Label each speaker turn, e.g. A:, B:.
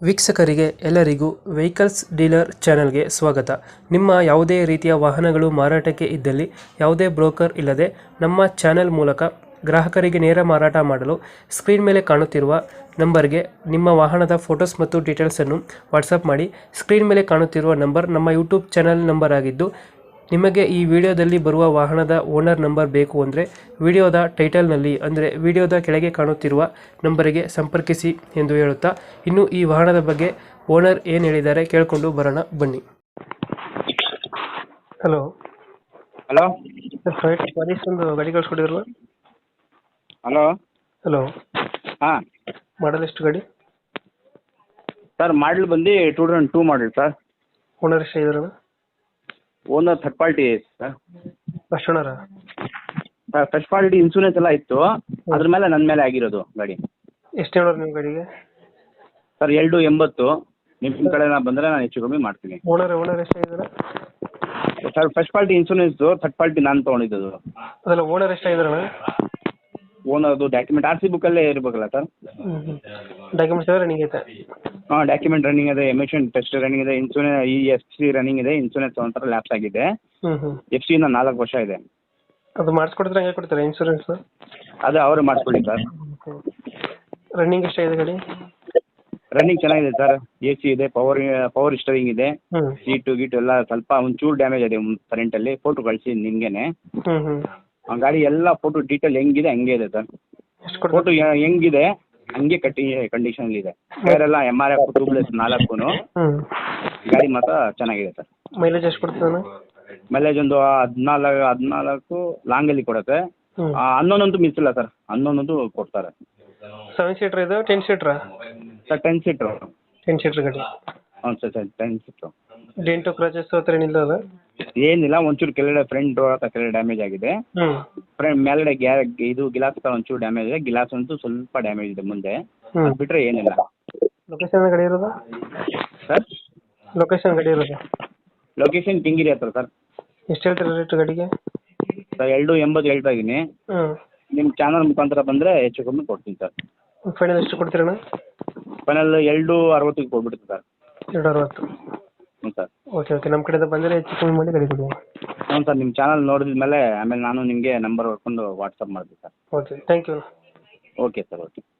A: ವೀಕ್ಷಕರಿಗೆ ಎಲ್ಲರಿಗೂ vehicles dealer ಚಾನೆಲ್ಗೆ ಸ್ವಾಗತ. ನಿಮ್ಮ ಯಾವುದೇ ರೀತಿಯ ವಾಹನಗಳು ಮಾರಾಟಕ್ಕೆ ಇದ್ದಲ್ಲಿ ಯಾವುದೇ ಬ್ರೋಕರ್ ಇಲ್ಲದೆ ನಮ್ಮ ಚಾನೆಲ್ ಮೂಲಕ ಗ್ರಾಹಕರಿಗೆ ನೇರ ಮಾರಾಟ ಮಾಡಲು ಸ್ಕ್ರೀನ್ ಮೇಲೆ ಕಾಣುತ್ತಿರುವ ನಂಬರ್ಗೆ ನಿಮ್ಮ ವಾಹನದ ಫೋಟೋಸ್ ಮತ್ತು ಡೀಟೇಲ್ಸನ್ನು ವಾಟ್ಸಪ್ ಮಾಡಿ. ಸ್ಕ್ರೀನ್ ಮೇಲೆ ಕಾಣುತ್ತಿರುವ ನಂಬರ್ ನಮ್ಮ ಯೂಟ್ಯೂಬ್ ಚಾನೆಲ್ ನಂಬರ್ ಆಗಿದ್ದು, ನಿಮಗೆ ಈ ವಿಡಿಯೋದಲ್ಲಿ ಬರುವ ವಾಹನದ ಓನರ್ ನಂಬರ್ ಬೇಕು ಅಂದರೆ ವಿಡಿಯೋದ ಟೈಟಲ್ನಲ್ಲಿ ಅಂದರೆ ವಿಡಿಯೋದ ಕೆಳಗೆ ಕಾಣುತ್ತಿರುವ ನಂಬರಿಗೆ ಸಂಪರ್ಕಿಸಿ ಎಂದು ಹೇಳುತ್ತಾ, ಇನ್ನು ಈ ವಾಹನದ ಬಗ್ಗೆ ಓನರ್ ಏನು ಹೇಳಿದ್ದಾರೆ ಕೇಳಿಕೊಂಡು ಬರೋಣ ಬನ್ನಿ. ಹಲೋ
B: ಹಲೋ
A: ಸರ್, ಫಾರಿಸ್ ಒಂದು ಗಾಡಿ ಕಳಿಸ್ಕೊಟ್ಟಿದ್ರಲ್ಲ?
B: ಹಲೋ
A: ಹಲೋ,
B: ಹಾಂ
A: ಮಾಡಲ್ ಎಷ್ಟು ಗಾಡಿ?
B: ಸರ್ ಮಾಡಲ್ ಬಂದು 2002 ಮಾಡಲ್ ಸರ್.
A: ಓನರ್ ಎಷ್ಟು ಇದಾರಣ?
B: Owner third party sir.
A: First ಓನರ?
B: ಸರ್ ಫಸ್ಟ್ ಪಾರ್ಟಿ ಇನ್ಸೂರೆನ್ಸ್ ಎಲ್ಲ ಇತ್ತು, ಅದ್ರ ಮೇಲೆ ನನ್ನ ಮೇಲೆ ಆಗಿರೋದು ಗಾಡಿ.
A: ಎಷ್ಟು ಹೇಳೋರು ನಿಮ್ಮ ಗಾಡಿಗೆ?
B: ಸರ್ 280. ನಿಮ್ಮ ಕಡೆ ಬಂದರೆ ನಾನು ಹೆಚ್ಚು ಕಮ್ಮಿ ಮಾಡ್ತೀನಿ.
A: ಓನರ್ ಎಷ್ಟು ಇದ್ದಾರೆ?
B: Sir first party insurance, third party ನಾನು ತೊಗೊಂಡಿದ್ದು.
A: ಅದಲ್ಲ, ಓನರ್ ಎಷ್ಟು ಇದಾರಣ?
B: ಓನರ್ದು ಡಾಕ್ಯುಮೆಂಟ್ RC ಬುಕ್ಕಲ್ಲೇ ಇರಬೇಕಲ್ಲ ಸರ್?
A: ಡಾಕ್ಯುಮೆಂಟ್ಸ್ ಎಲ್ಲ ರನ್ನಿಂಗ್ ಐತೆ?
B: ಹಾಂ, ಡಾಕ್ಯುಮೆಂಟ್ ರನ್ನಿಂಗ್ ಇದೆ, ಎಮಿಷನ್ ಟೆಸ್ಟ್ ರನ್ನಿಂಗ್ ಇದೆ, ಇನ್ಸೂರೆನ್ಸ್ FC ರನ್ನಿಂಗ್ ಇದೆ, ಇನ್ಸೂರೆನ್ಸ್ ಒಂಥರ ಲ್ಯಾಪ್ಸ್ ಆಗಿದೆ. FC ಇಂದ 4 ವರ್ಷ ಇದೆ.
A: ಅದು ಮಾಡಿಸ್ಕೊಡ್ತಾರೆ, ಹಂಗೆ ಕೊಡ್ತಾರೆ ಇನ್ಸೂರೆನ್ಸ್?
B: ಅದು ಅವರು ಮಾಡಿಸ್ಕೊಳ್ಳಿ ಸರ್.
A: ರನ್ನಿಂಗ್ ಎಷ್ಟಾಗಿದೆ ಗಾಡಿ?
B: ರನ್ನಿಂಗ್ ಚೆನ್ನಾಗಿದೆ ಸರ್. AC ಇದೆ, ಪವರ್ ಸ್ಟೀರಿಂಗ್ ಇದೆ, ಸೀಟು ಗೀಟು ಎಲ್ಲ ಸ್ವಲ್ಪ ಒಂಚೂರು ಡ್ಯಾಮೇಜ್ ಇದೆ ಕರೆಂಟಲ್ಲಿ. ಫೋಟೋ ಕಳಿಸಿ ನಿಮಗೇನೆ. ಗಾಡಿ ಎಲ್ಲ ಫೋಟೋ ಡೀಟೇಲ್ ಹೆಂಗಿದೆ ಹಂಗೆ ಇದೆ ಸರ್. ಫೋಟೋ ಹೆಂಗಿದೆ ಹಂಗೆ ಕಂಡೀಷನ್ ಇದೆ. ಟೈರೆಲ್ಲ MRF ಟ್ಯೂಬ್ಲೆಸ್ 4. ಗಾಡಿ ಮಾತ್ರ ಚೆನ್ನಾಗಿದೆ ಸರ್.
A: ಮೈಲೇಜ್ ಎಷ್ಟು ಕೊಡ್ತದೆ?
B: ಮೈಲೇಜ್ ಒಂದು 14 ಲಾಂಗಲ್ಲಿ ಕೊಡುತ್ತೆ. 11 ಅಂತೂ ಮಿಸ್ ಇಲ್ಲ ಸರ್, 11 ಅಂತೂ ಕೊಡ್ತಾರೆ.
A: 7 ಸೀಟರ್ ಇದೆ, 10 ಸೀಟ್ರಾ?
B: Sir 10 seater.
A: 10 ಸೀಟರ್ ಗಾಡಿ?
B: ಹ್ಞೂ ಸರ್ 10 ಸೀಟ್ರು.
A: ಡೆಂಟು ಕ್ರಾಚಸ್ ಹತ್ರ ಏನಿಲ್ಲ ಅಲ್ಲ?
B: ಏನಿಲ್ಲ, ಒಂಚೂರು ಕೆಳಗಡೆ ಫ್ರಂಟ್ ಡೋರ್ ಹತ್ರ ಕೆಳಗಡೆ ಡ್ಯಾಮೇಜ್ ಆಗಿದೆ. ಮೇಲ್ಗಡೆ ಇದು ಗಿಲಾಸ್ ಒಂಚೂರು ಡ್ಯಾಮೇಜ್ ಇದೆ. ಗಿಲಾಸ್ ಅಂತೂ ಸ್ವಲ್ಪ ಡ್ಯಾಮೇಜ್ ಇದೆ ಮುಂದೆ, ಅದು ಬಿಟ್ಟರೆ ಏನಿಲ್ಲ.
A: ಲೊಕೇಶನ್ ಗಾಡಿ ಇರೋದು
B: ಸರ್?
A: ಲೊಕೇಶನ್ ಗಾಡಿ ಇರೋದು?
B: ಲೊಕೇಶನ್ ಕಿಂಗಿರಿ ಹತ್ರ ಸರ್.
A: ಎಷ್ಟು ಹೇಳ್ತೀರಾ ರೇಟ್ ಗಾಡಿಗೆ?
B: ಸರ್ 280 ಹೇಳ್ತಾ ಇದ್ದೀನಿ. ನಿಮ್ಮ ಚಾನಲ್ ಮುಖಾಂತರ ಬಂದರೆ ಹೆಚ್ಚು ಕಮ್ಮಿ ಕೊಡ್ತೀನಿ ಸರ್.
A: ಫೈನಲ್ ಎಷ್ಟು ಕೊಡ್ತೀರಣ್ಣ?
B: ಫೈನಲ್ 260 ಕೊಟ್ಬಿಡ್ತೀನಿ ಸರ್.
A: 260?
B: ಹ್ಞೂ ಸರ್.
A: ಓಕೆ, ನಮ್ಮ ಕಡೆಯಿಂದ ಬಂದರೆ ಹೆಚ್ಚು ಕಮ್ಮಿ ಮಾಡಿ ಗಾಡಿ ಕೊಡಿ.
B: ಹ್ಞೂ ಸರ್, ನಿಮ್ಮ ಚಾನಲ್ ನೋಡಿದ ಮೇಲೆ ಆಮೇಲೆ ನಾನು ನಿಮಗೆ ನಂಬರ್ ಹೊಡ್ಕೊಂಡು ವಾಟ್ಸಪ್ ಮಾಡ್ತೀನಿ sir.
A: Okay, thank you.
B: Okay sir, okay.